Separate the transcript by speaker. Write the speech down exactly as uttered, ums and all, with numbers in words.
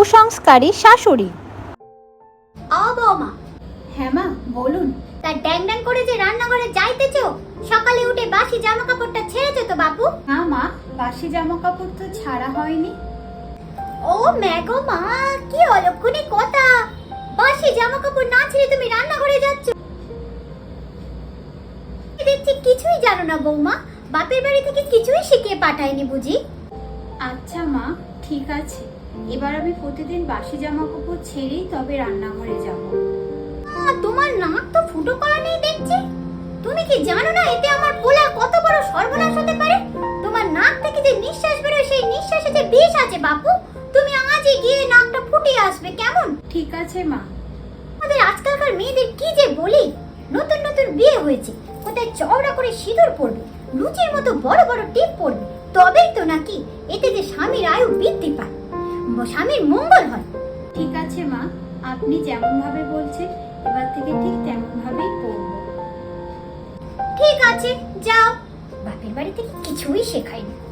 Speaker 1: কুসংস্কারী শাশুড়ি।
Speaker 2: ও বৌমা।
Speaker 1: হ্যাঁ মা বলুন।
Speaker 2: তা ড্যাং ড্যাং করে যে রান্নাঘরে যাইতেছো, সকালে উঠে বাসি জামা কাপড়টা ছেড়েছো তো বাপু?
Speaker 1: না মা, বাসি জামা কাপড় তো ছাড়া হয়নি।
Speaker 2: ও ম্যাগো মা, কি অলক্ষণী কথা! বাসি জামা কাপড় না ছেড়ে তুমি রান্নাঘরে যাচ্ছ? দেখছি কিছুই জানো না বৌমা, বাপের বাড়ি থেকে কিছুই শিখিয়ে পাঠায়নি বুঝি?
Speaker 1: আচ্ছা মা ঠিক আছে, এবার আমি প্রতিদিন বাসি জামা কাপড় ছেড়েই তবে রান্নাঘরে যাব।
Speaker 2: তোমার নাক তো ফুটো করা নেই দেখছি। তুমি কি জানো না এতে আমার পোলা কত বড় সর্বনাশ হতে পারে? তোমার নাক থেকে যে নিঃশ্বাস বেরোয় সেই নিঃশ্বাসে যে বিষ আছে বাপু। তুমি আজই গিয়ে নাকটা ফুটিয়ে আসবে কেমন?
Speaker 1: ঠিক আছে মা।
Speaker 2: আমাদের আজকালকার মেয়েদের কি যে বলি, নতুন নতুন বিয়ে হয়েছে, কোথায় চওড়া করে সিঁদুর পরবে, লুচির মতো বড় বড় টিপ পরবে, তবেই তো নাকি এতে যে স্বামীর আয়ু বৃদ্ধি পায়, স্বামীর মঙ্গল হয়।
Speaker 1: ঠিক আছে মা, আপনি যেমন ভাবে বলছেন এবার থেকে ঠিক তেমন ভাবেই করব।
Speaker 2: ঠিক আছে যাও, বাপের বাড়ি থেকে কিছুই শেখায়নি।